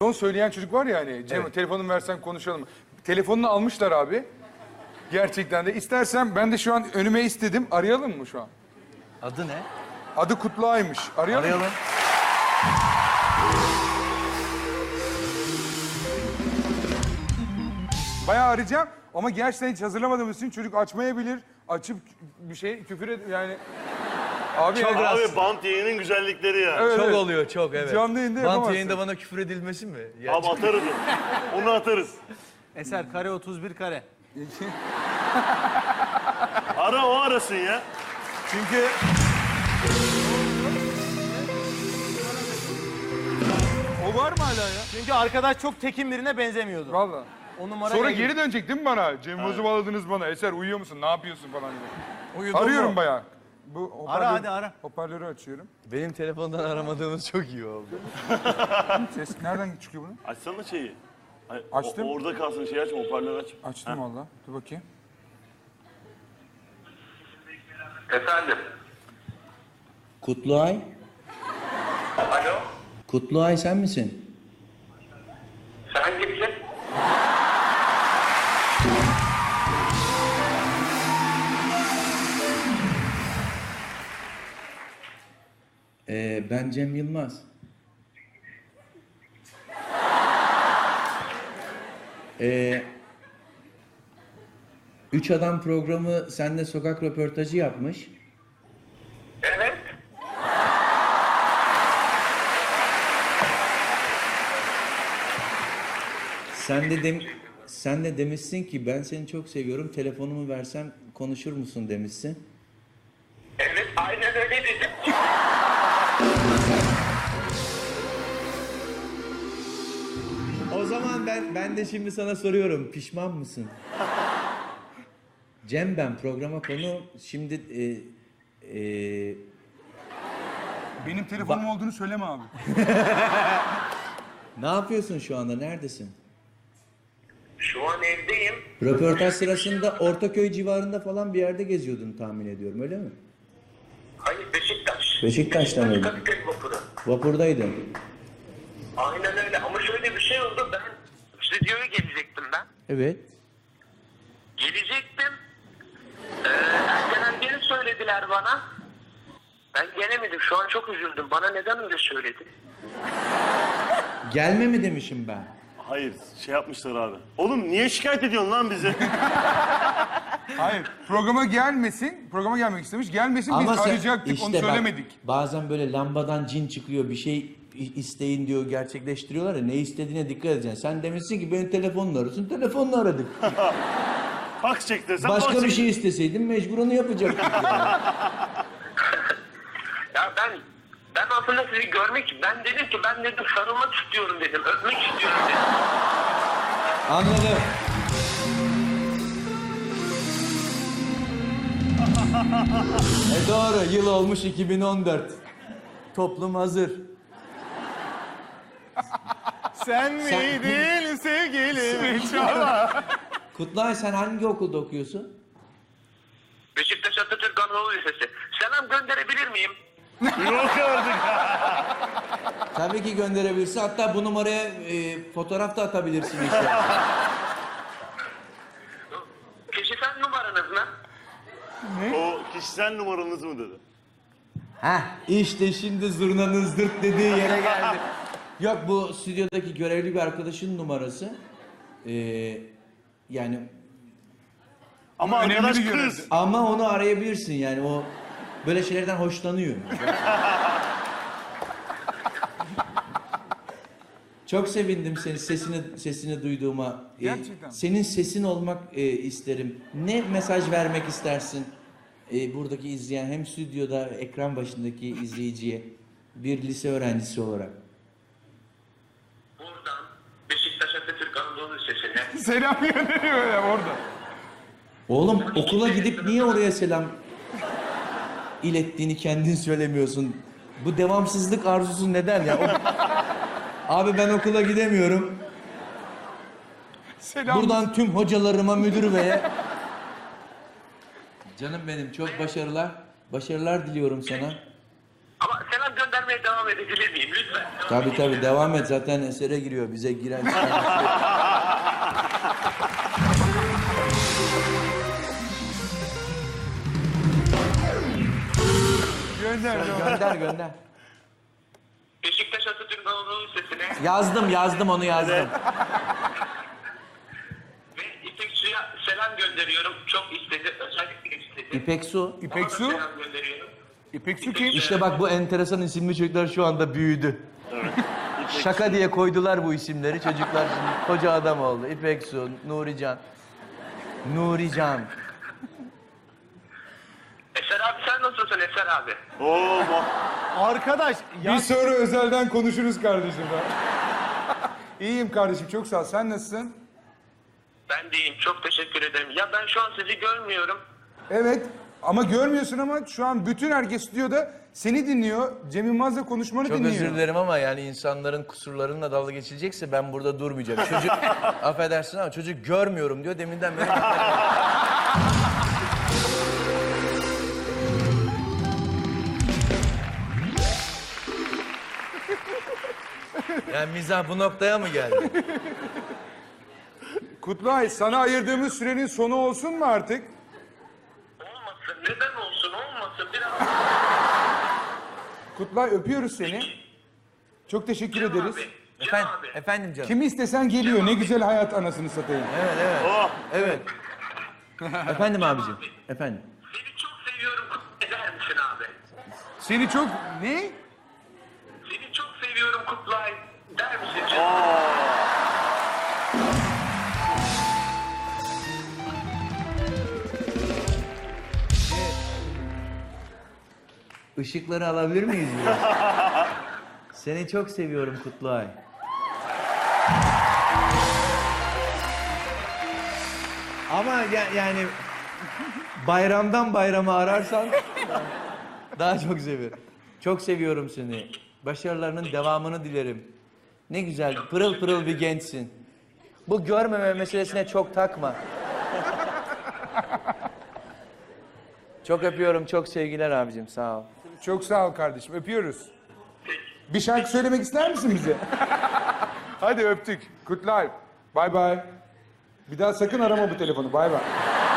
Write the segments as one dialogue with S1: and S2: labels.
S1: Son söyleyen çocuk var ya hani, Cem telefonumu versen konuşalım. Telefonunu almışlar abi. Gerçekten de. İstersen ben de şu an önüme istedim. Arayalım mı şu an?
S2: Adı ne?
S1: Adı Kutluay'mış. Arayalım mı?
S2: Arayalım.
S1: Bayağı arayacağım ama gerçekten hiç hazırlamadığımız için çocuk açmayabilir. Açıp bir şey küfür yani... Abi,
S2: Çok
S1: yani,
S2: rahatsız.
S3: Abi bant yayının güzellikleri ya.
S1: Evet,
S2: Çok
S1: evet.
S2: oluyor, çok evet.
S1: Canlı yayında
S2: Bant
S1: yapamazsın.
S2: yayında bana küfür edilmesi mi?
S3: Abi atarız onu. Onu atarız.
S4: Eser kare 31 kare.
S3: Ara o arasın ya.
S2: Çünkü
S1: O var mı hala ya?
S4: Çünkü arkadaş çok tekin birine benzemiyordu.
S1: Valla.
S4: O numara
S1: Sonra
S4: geldi.
S1: geri dönecek değil mi bana? Cem Boz'u bağladınız bana. Eser uyuyor musun? Ne yapıyorsun falan diye.
S4: Uyudun
S1: Arıyorum
S4: mu?
S1: bayağı. Bu
S4: Ara hadi ara.
S1: Hoparlörü açıyorum.
S2: benim telefondan aramadığınız çok iyi oldu.
S1: Ses nereden çıkıyor bunu?
S3: Açsana şeyi. Ay,
S1: Açtım.
S3: Orada kalsın şey açma, hoparlör aç.
S1: Açtım valla. Dur bakayım.
S5: Efendim?
S6: Kutluay.
S5: Alo?
S6: Kutluay sen misin?
S5: Sen kimsin?
S6: Ben Cem Yılmaz. Üç Adam programı seninle sokak röportajı yapmış.
S5: Evet.
S6: Sen de demişsin ki ben seni çok seviyorum. Telefonumu versem konuşur musun demişsin.
S5: Evet, aynen öyle dedim.
S6: O zaman ben de şimdi sana soruyorum. Pişman mısın? Cem ben programa konu şimdi
S1: Benim telefonum olduğunu söyleme abi.
S6: ne yapıyorsun şu anda? Neredesin?
S5: Şu an evdeyim.
S6: Röportaj sırasında Ortaköy civarında falan bir yerde geziyordun tahmin ediyorum, öyle mi?
S5: Hayır, Beşiktaş.
S6: Beşiktaş'ta mıydın?
S5: Kadıköy vapuru.
S6: Vapurdaydın.
S5: Aynen öyle ama şöyle bir şey oldu. Ben stüdyoya gelecektim ben.
S6: Evet.
S5: Gelecektim. Erkenden söylediler bana. Ben gelemedim. Şu an çok üzüldüm. Bana neden öyle söyledi?
S6: Gelme mi demişim ben?
S3: Hayır, şey yapmışlar abi. Oğlum niye şikayet ediyorsun lan bizi?
S1: Hayır. Programa gelmesin. Programa gelmek istemiş. Gelmesin biz
S6: sen-
S1: arayacaktık. Onu
S6: bak,
S1: söylemedik.
S6: bazen böyle lambadan cin çıkıyor, bir şey isteyin diyor, gerçekleştiriyorlar ya, ne istediğine dikkat edeceksin. Sen demişsin ki benim telefonla arasın, telefonla aradık.
S3: Fax çek desem
S6: Başka
S3: fax
S6: bir
S3: çek.
S6: şey isteseydin mecbur onu yapacaktık yani.
S5: Ya ben aslında sizi ben dedim ki ben dedim sarılmak istiyorum dedim. Öpmek istiyorum dedim.
S6: Anladım. Doğru, yıl olmuş 2014. Toplum hazır.
S4: Sen miydin sevgilim?
S6: Kutlay, sen hangi okulda okuyorsun?
S5: Beşiktaş Atatürk Anadolu Lisesi. Selam gönderebilir miyim?
S3: Yok artık.
S6: Tabii ki gönderebilirsin. Hatta bu numaraya fotoğraf da atabilirsin işte.
S5: Kişisel numaranız ne?
S3: O kişisel numaranız mı dedi?
S6: Heh, işte şimdi zurnanın zırt dediği yere geldi. Yok, bu stüdyodaki görevli bir arkadaşın numarası. Yani
S3: Ama
S1: Önemli
S3: arkadaş
S1: bir görev.
S3: kız.
S6: ama onu arayabilirsin yani, o böyle şeylerden hoşlanıyor. Çok sevindim senin sesini duyduğuma.
S1: Gerçekten.
S6: Senin sesin olmak isterim. Ne mesaj vermek istersin buradaki izleyen, hem stüdyoda ekran başındaki izleyiciye, bir lise öğrencisi olarak?
S5: Buradan Beşiktaş Atatürk Anadolu Lisesi'ne.
S1: Selam gönderiyor ya orada.
S6: Oğlum, okula gidip niye oraya selam ilettiğini kendin söylemiyorsun? Bu devamsızlık arzusu neden ya? Abi ben okula gidemiyorum.
S1: Selam.
S6: Buradan tüm hocalarıma, müdür beye. Canım benim, çok başarılar. Başarılar diliyorum sana.
S5: Ama selam göndermeye devam devam edebilir miyim? Lütfen.
S6: Tabii devam et. Zaten esere giriyor. Bize giren çıkan. Gönder.
S5: Beşiktaş Atatürk Anadolu Lisesi'ne
S6: Yazdım onu yazdım.
S5: ve İpek Su'ya selam gönderiyorum. Çok istedi, özellikle istedi.
S6: İpek Su.
S1: İpek
S5: Ona da
S1: Su.
S5: selam gönderiyorum.
S1: İpek Su kim?
S6: İşte bak bu enteresan isimli çocuklar şu anda büyüdü. Şaka diye koydular bu isimleri. Çocuklar şimdi koca adam oldu. İpek Su, Nurican.
S5: Eser abi sen nasılsın Eser abi?
S3: Oo,
S4: Arkadaş ya
S1: Bir sonra özelden konuşuruz kardeşim. İyiyim kardeşim, çok sağ ol. Sen nasılsın?
S5: Ben de iyiyim, çok teşekkür ederim. Ya ben şu an sizi görmüyorum.
S1: Evet. Ama görmüyorsun ama şu an bütün herkes stüdyoda seni dinliyor. Cem Yılmaz'la konuşmanı
S2: Çok
S1: dinliyor.
S2: özür dilerim ama yani insanların kusurlarıyla dalga geçilecekse ben burada durmayacağım. Çocuk, affedersin ama çocuk görmüyorum diyor deminden beri. Yani mizah bu noktaya mı geldi?
S1: Kutlay, sana ayırdığımız sürenin sonu olsun mu artık?
S5: Olmasın, neden olsun, olmasın. Biraz
S1: Kutlay, öpüyoruz seni. Çok teşekkür
S5: Cem
S1: ederiz.
S5: abi, Cem
S2: Efendim,
S5: abi.
S2: efendim canım.
S1: Kimi istesen geliyor. Ne güzel hayat anasını satayım.
S2: Evet.
S6: Efendim abicim. Efendim.
S5: Seni çok seviyorum, eder misin abi?
S1: Seni çok... Ne?
S5: Seni çok seviyorum Kutlay, der misin canım?
S6: Işıkları alabilir miyiz biraz? Seni çok seviyorum Kutlay. Ama yani bayramdan bayrama ararsan daha çok seviyorum. Çok seviyorum seni. Başarılarının devamını dilerim. Ne güzel, pırıl pırıl bir gençsin. Bu görmeme meselesine çok takma. Çok öpüyorum, çok sevgiler abicim, sağ ol.
S1: Çok sağ ol kardeşim. Öpüyoruz. Bir şarkı söylemek ister misin bize? Hadi öptük. Kutlay. Bay bay. Bir daha sakın arama bu telefonu. Bay bay.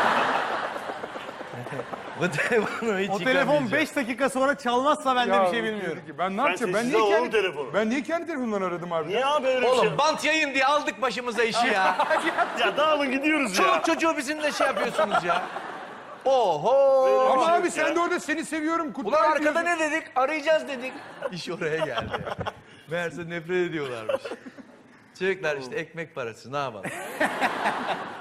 S2: Bu telefonu hiç
S4: o telefon 5 dakika sonra çalmazsa ben de
S1: Ya,
S4: bir şey bilmiyorum.
S1: Ben ne yapacağım? Ben
S3: sessize
S1: niye
S3: alalım
S1: kendi
S3: telefonu.
S1: Ben niye kendi telefonumdan aradım abi?
S3: Niye abi öyle bir şey?
S2: Oğlum bant yayın diye aldık başımıza işi ya.
S3: Ya dağılın gidiyoruz
S2: Çoluk
S3: ya.
S2: çocuğu bizimle şey yapıyorsunuz ya. Oho.
S1: Ama
S3: şey
S1: abi
S3: yok
S1: sen
S3: ya.
S1: de orada seni seviyorum Kutlay
S2: Ulan arkada
S1: diyorsun.
S2: ne dedik? Arayacağız dedik. İş oraya geldi. Meğerse nefret ediyorlarmış. Çocuklar işte ekmek parası ne yapalım.